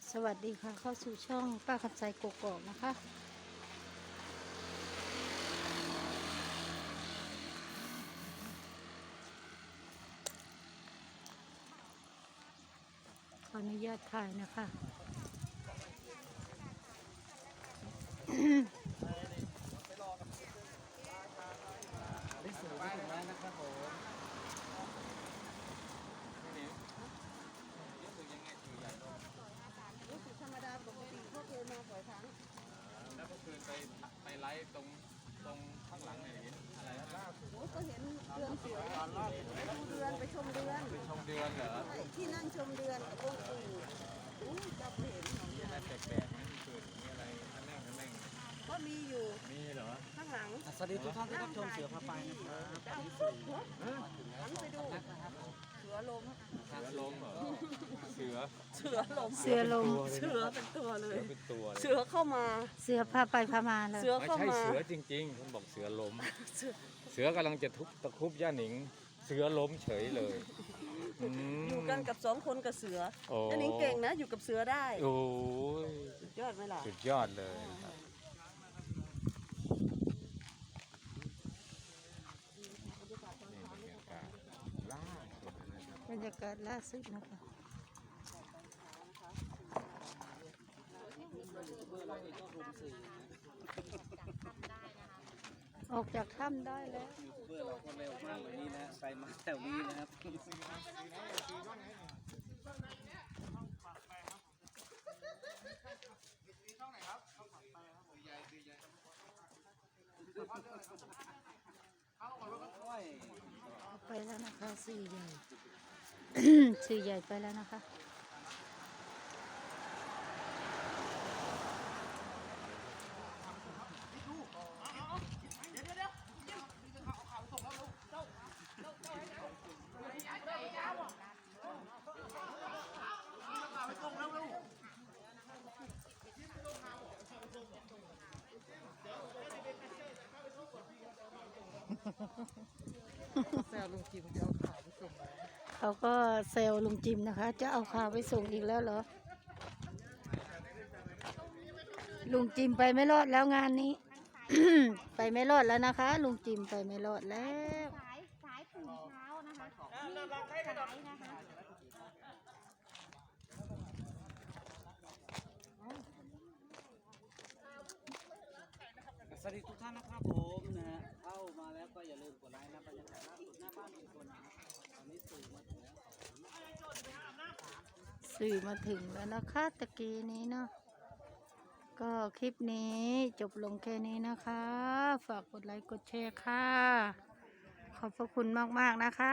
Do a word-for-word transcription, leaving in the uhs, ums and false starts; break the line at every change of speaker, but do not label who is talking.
สวัสดีค่ะเข้าสู่ช่องป้าคำใจกกอกนะคะขออนุญาตถ่ายนะคะ
ได้สูงไปถึงแล้วนะครับผมนี่รู้สึกยังไงถือใหญ่ลงรู้สึกธรรมดาปกติพวกเคยมาบ่อยครั้งแล้วก็คือไปไปไลฟ์ตรงตรงข้างหลังไหนเห็นอะไรล่าสุดก็เห็นเดือนเสือไปดูเดือนไปชมเดือนไปชมเดือนเหรอที่นั่งชมเดือนกับองค์ปู่อู้จะเห็นของอะไรแปลกๆไหมมีเกิดมีอะไรอันแน่งอันแน่งก็มีอยู่มีเหรอข้างหลัง
สวัสดีทุกท่านที่รับชมเสือพาไปนะครับ
หันไปดูเสือล้มเสือล้มเหรอเสือ
เสือลมเสือลม
เสือเป็นตัวเลยเป็นตัว
เสือเข้ามา
เสือพาไปพามาเลย
เสือ
ไม่
เข้า
ใช่
มา
เสือจริงๆคุณบอกเสือล้มเสือกำลังจะทุบตะคุบย่าหนิงเสือล้มเฉยเลย
อยู่กันกับสองคนกับเสือ
โอ้
อันนี้เก่งนะอยู่กับเสือได้
โอ้ย
สุดยอดไหมล่ะ
สุดยอดเลยครับนี่บรรยากาศล่าสุดนะครับ
บรรยากาศล่าสุดนะคะออกจากถ้ำได้แล้ว
ยูทูบเบอร์เราก็เร็วมากวันนี้นะไปมาแถวนี้นะครับ
ไปแล้วนะคะสื่อใหญ่ สื่อใหญ่ไปแล้วนะคะ
แซวลุงจิมจะเอาข่าวไปส่ง
เขาก็เซลลุงจิมนะคะ จะเอาข่าวไปส่งอีกแล้วเหรอ ลุงจิมไปไม่รอดแล้วงานนี้ ไปไม่รอดแล้วนะคะ ลุงจิมไปไม่รอดแล้ว
สายสายตื่นเช้านะคะนี่สายนะคะ
สวัสดีทุกท่านนะครับผมนะฮะเข้ามาแล้วก็อย่าลืมกดไลค์นะบรรยากาศล่าสุดหน้าบ้านลุงพลนะครับตอนนี้สื่อมาถึงแล้ว
สื่อมาถึงแล้วนะคะตะกี้นี้เนาะก็คลิปนี้จบลงแค่นี้นะคะ ฝากกดไลค์กดแชร์ค่ะ ขอบพระคุณมากๆนะคะ